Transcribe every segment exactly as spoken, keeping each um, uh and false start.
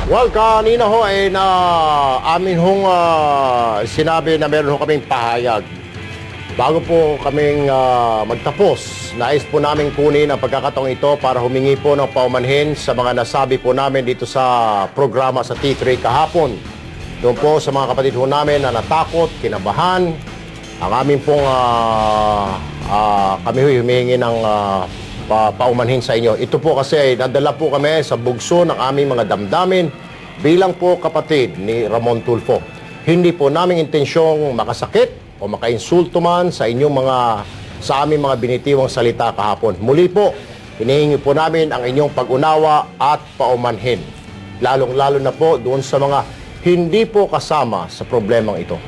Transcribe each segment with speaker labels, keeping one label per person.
Speaker 1: Well, kanina ho ay na amin hong ah, sinabi na meron ho kaming pahayag. Bago po kaming ah, magtapos, nais po namin kunin ang pagkakataong ito para humingi po ng paumanhin sa mga nasabi po namin dito sa programa sa T three kahapon. Doon po sa mga kapatid ho namin na natakot, kinabahan, ang amin pong ah, ah, kami ho humihingi ng ah, pa paumanhin sa inyo. Ito po kasi ay nadala po kami sa bugso ng aming mga damdamin bilang po kapatid ni Ramon Tulfo. Hindi po naming intensyong makasakit o makainsulto man sa inyong mga sa aming mga binitiwang salita kahapon. Muli po, hinihingi po namin ang inyong pag-unawa at paumanhin. Lalong-lalo na po doon sa mga hindi po kasama sa problemang ito.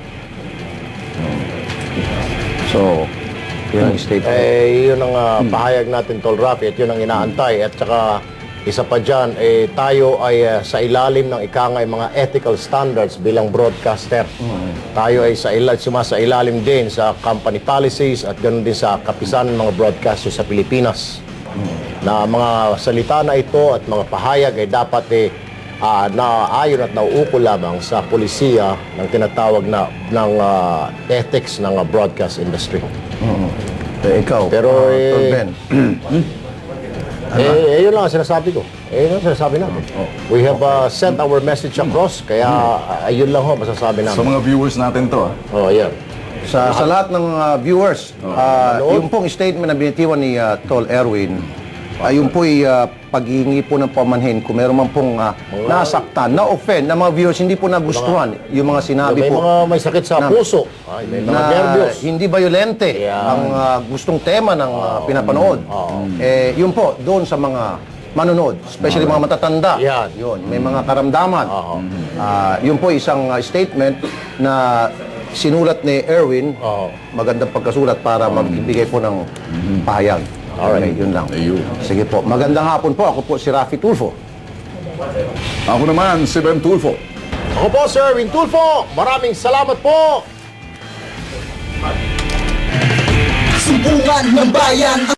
Speaker 2: So, yun ang statement.
Speaker 1: Eh, yun ang uh, pahayag natin, Tol Rafi, at yun ang inaantay. At saka, isa pa dyan, eh, tayo ay uh, sa ilalim ng ikangay mga ethical standards bilang broadcaster. Mm-hmm. Tayo ay sa ilalim, sumasa ilalim din sa company policies at ganoon din sa kapisan ng mga broadcasters sa Pilipinas. Mm-hmm. Na mga salita na ito at mga pahayag ay dapat eh, uh, naayon at nauukol lamang sa polisiya ng tinatawag na ng uh, ethics ng uh, broadcast industry.
Speaker 2: Mm-hmm. Eh, ikaw,
Speaker 1: pero
Speaker 2: uh,
Speaker 1: eh,
Speaker 2: Ben.
Speaker 1: eh, eh, yun lang ang sinasabi ko. Eh, yun ang sinasabi namin.
Speaker 2: Oh.
Speaker 1: We have uh, sent our message across, kaya uh, ayun lang ho, masasabi namin.
Speaker 3: Sa mga viewers natin to, ah.
Speaker 1: Oh, yan.
Speaker 2: Sa, sa lahat ng uh, viewers, uh,
Speaker 1: Manood.
Speaker 2: yung pong statement na binitiwan ni uh, Tol Erwin, ay yung po'y uh, paghihingi po ng pamanhin kung meron man pong uh, nasaktan, na-offend, na mga viewers hindi po nagustuhan yung mga sinabi
Speaker 1: May
Speaker 2: po
Speaker 1: mga may sakit sa
Speaker 2: na-
Speaker 1: puso. Ay, may mga
Speaker 2: na
Speaker 1: nervyos.
Speaker 2: hindi violente
Speaker 1: Yeah.
Speaker 2: ang uh, gustong tema ng uh, pinapanood. Eh, yun po, doon sa mga manonood, especially mga matatanda.
Speaker 1: Yan.
Speaker 2: Yun, may mga karamdaman. Ah, yun po isang uh, statement na sinulat ni Erwin,
Speaker 1: Oo.
Speaker 2: magandang pagkasulat para magbigay po ng pahayag.
Speaker 1: Alright.
Speaker 2: Okay, yun lang.
Speaker 3: Ayun.
Speaker 2: Sige po. Magandang hapon po. Ako po si Rafi Tulfo.
Speaker 3: Ako naman, si Ben Tulfo.
Speaker 1: Ako po, Sir Win Tulfo. Maraming salamat po.
Speaker 4: Sumbungan ng bayan.